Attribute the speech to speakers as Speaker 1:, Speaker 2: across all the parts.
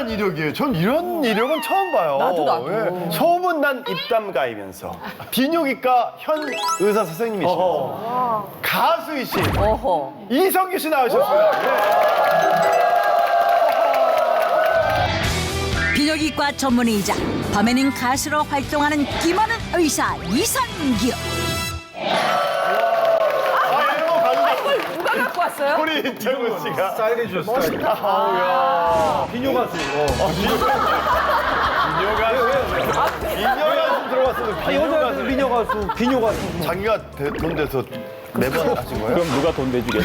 Speaker 1: 대단한 이력이에요. 전 이런 이력은 처음 봐요.
Speaker 2: 나도.
Speaker 1: 소문난 입담 가이면서 비뇨기과 현 의사 선생님이시면서 가수이신
Speaker 2: 어허.
Speaker 1: 이성규 씨 나오셨어요.
Speaker 3: 비뇨기과 전문의이자 밤에는 가수로 활동하는 김하는 의사 이성규.
Speaker 2: 이걸 누가 갖고 왔어요?
Speaker 1: 우리 이창훈 씨가
Speaker 4: 스타일해 주셨어. 멋있다. 비뇨 가수.
Speaker 1: 비뇨가수 들어왔어요. 비뇨가수.
Speaker 4: 비뇨 가수. 비뇨 가수.
Speaker 1: 자기가 돈 내서 매번 하신 거예요?
Speaker 5: 그럼 누가 돈 내주겠어?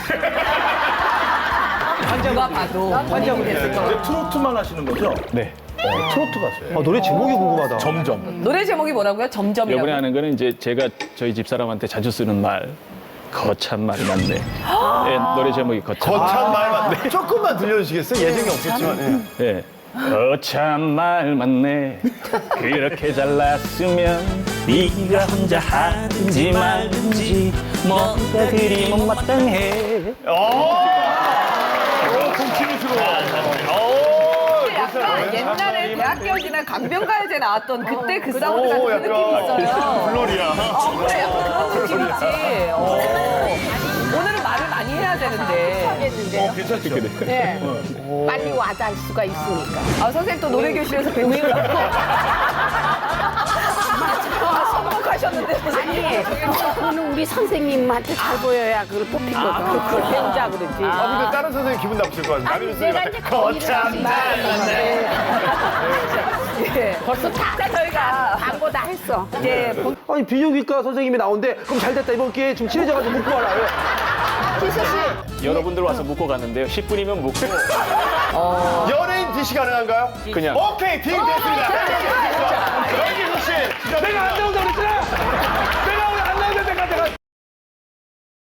Speaker 2: 누가 봐도 본인이 됐을 거.
Speaker 4: 이제 트로트만 하시는 거죠?
Speaker 5: 네.
Speaker 4: 트로트 가수예요. 노래 제목이 궁금하다.
Speaker 5: 점점.
Speaker 2: 노래 제목이 뭐라고요? 점점이라고.
Speaker 5: 이번에 하는 거는 이제 제가 저희 집사람한테 자주 쓰는 말. 거참 말이 많네. 네, 노래 제목이 거참.
Speaker 1: 거참 말만 조금만 들려주시겠어요? 예정이 없었지만. 예.
Speaker 5: 네. 거참 말 많네. 그렇게 잘났으면 네가 혼자 하든지 말든지 뭔가 그리 못마땅해.
Speaker 2: 약간 옛날에 대학교지나 강변가요제 나왔던 그때 그 사운드 같은 그
Speaker 1: 약간
Speaker 2: 느낌이 있어요.
Speaker 1: 블로리아.
Speaker 2: 그래, 약간 그런 느낌 있지. 오늘은 말을 많이 해야 되는데.
Speaker 6: 하겠는데요.
Speaker 5: 괜찮지 그래.
Speaker 6: 네. 빨리 와서 할 수가 있으니까.
Speaker 2: 아, 선생님 또 노래교실에서 배우시라고. 선곡하셨는데, 선생님.
Speaker 6: 아니, 그거는 우리 선생님한테 잘 보여야 그걸 뽑힌 거죠. 그걸 배우자 그러지.
Speaker 1: 근데 다른 선생님 기분 나쁘실 것 같아요.
Speaker 6: 아니, 내가 이제 거참
Speaker 2: 예.
Speaker 6: 벌써 다
Speaker 2: 저희가
Speaker 6: 광고 다 했어.
Speaker 2: 이제
Speaker 4: 아니 비뇨기과 선생님이 나온대. 그럼 잘 됐다. 이번 기회에 좀 친해져가지고 묻고 와라.
Speaker 5: 여러분들 와서 묵고 갔는데요. 10분이면 묵고
Speaker 1: 연예인 DC 가능한가요?
Speaker 5: 그냥.
Speaker 1: 오케이, 딩 됐습니다. 여기서 씨. 내가 안